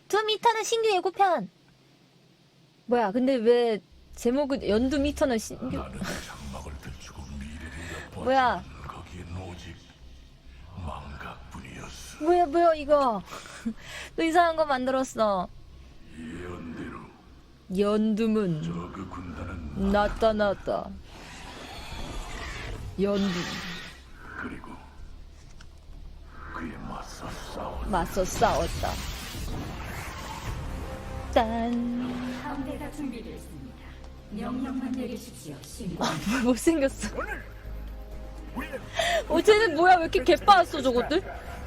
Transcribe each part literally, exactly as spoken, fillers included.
둠 이터널 신규 예고편. 뭐야, 근데 왜 제목은 연둠 이터널 신규. 나는 장막을 들추고 미래를 엿보았지만 뭐야. 거기엔 오직 망각뿐이었어. 뭐야, 뭐야, 이거. 또 이상한 거 만들었어. 예언대로 연둠은 저그 군단은 나타났다. 연둠. 그리고 그에 맞서 싸웠다. 맞서 싸웠다. 딴. 함대가 준비됐습니다. 명령만 내리십시오, 신부. 못생겼어. 어, 쟤는 뭐야, 왜 이렇게 개빠았어, 저것들?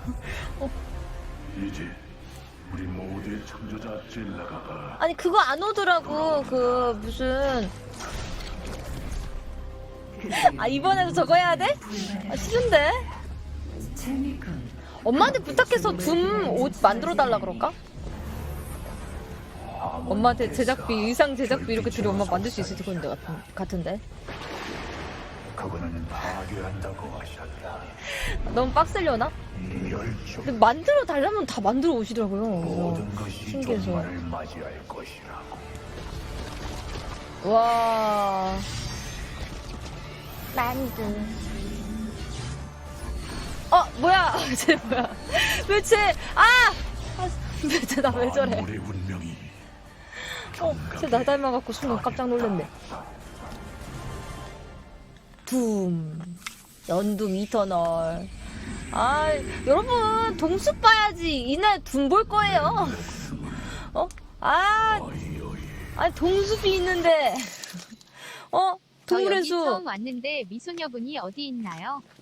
이제 우리 모두의 창조자 젤라가가 아니, 그거 안 오더라고. 그, 무슨. 아, 이번에도 저거 해야 돼? 아, 싫은데? 재미군. 엄마한테 부탁해서 둠 옷 만들어 달라 그럴까? 엄마한테 제작비, 의상 제작비 이렇게 들이 엄마 만들 수 있을 건데 같은, 같은데. 그분은 파괴한다고 하셨다. 너무 빡셀려나? 이 열정 근데 만들어 달라면 다 만들어 오시더라고요. 모든 그래서 것이 신기해서. 종말을 맞이할 것이라고. 와. 만두. 어, 뭐야? 쟤 뭐야? 왜 쟤, 아! 아, 왜 쟤 나 왜 저래? 아무리 운명이 어, 쟤 나 닮아갖고 순간 깜짝 놀랐네. 둠. 연둠 이터널. 아, 여러분, 동수 봐야지. 이날 둠 볼 거예요. 어? 아, 어이 어이 아니, 동숲이 있는데. 어? 저 여기 동물의 숲. 처음 왔는데 미소녀분이 어디 있나요?